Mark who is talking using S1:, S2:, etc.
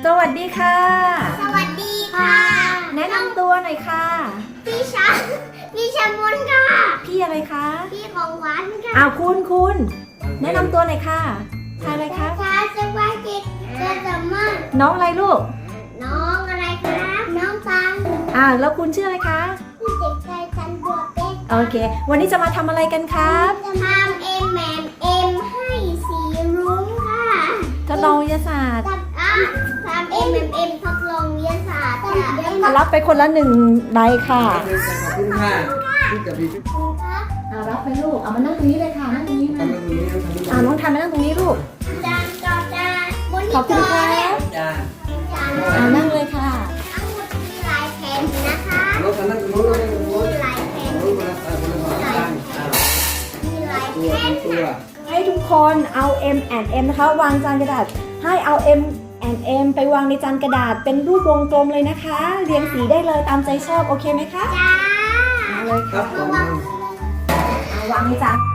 S1: สวัสดีค่ะ
S2: สวัสดีค่ะ
S1: แนะนำตัวหน่อยค่ะ
S2: พี่ชามุนค่ะ
S1: พี่อะไรคะ
S2: พี่ของหวานค่ะ
S1: คุณแนะนำตัวหน่อยค่ะทายอะไรคะ
S2: ชาสวัสดีเจอสมอน
S1: น้องอะไรลูก
S2: น้องอะไรครับ น้องฟัง
S1: แล้วคุณชื่ออะไรคะ
S2: ผู้เด็กชายจันบัวเป็ด
S1: โอเค วันนี้จะมาทำอะไรกันครับ
S2: จะทำM&Mให้สีรุ้งค่ะ
S1: ทดลองวิทยาศาสตร์
S2: ทำ M&M ทดลองวิทยาศาสตร์ค่ะ
S1: รับไปคนละ1 ใบค่ะ
S3: ขอบคุณค่ะที่กับพี่
S2: ครับ
S1: รับไปลูก เอามานั่งตรงนี้เลยค่ะ นั่งตรงนี้
S3: ทำ
S1: มา
S3: เรื่องนี้ทำเรื่องนี้
S1: น้องทานมานั่งตรงนี้ลูก
S2: จานจอจานบน
S1: ขอบคุณครับ
S3: จ้า
S2: จาน
S1: นั่งเลยค่ะ
S2: ทั้งหมดมีลายแผ่นนะคะ
S3: รถคันนั้นรถคันนั้นร
S2: มี
S3: ถ
S2: ลายแผ่น
S3: รถคนละคนละสองข้าง
S2: มีลาย
S3: ตัว
S2: แผ่น
S3: ตัว
S1: ให้ทุกคนเอา M&M นะคะวางจานกระดาษ ให้เอา M&M ไปวางในจานกระดาษเป็นรูปวงกลมเลยนะคะ เรียงสีได้เลยตามใจชอบโอเคไหมคะ
S2: จ้า
S1: เอาเลย
S3: ครั
S1: ค่ะ
S3: บผม
S1: วางในจาน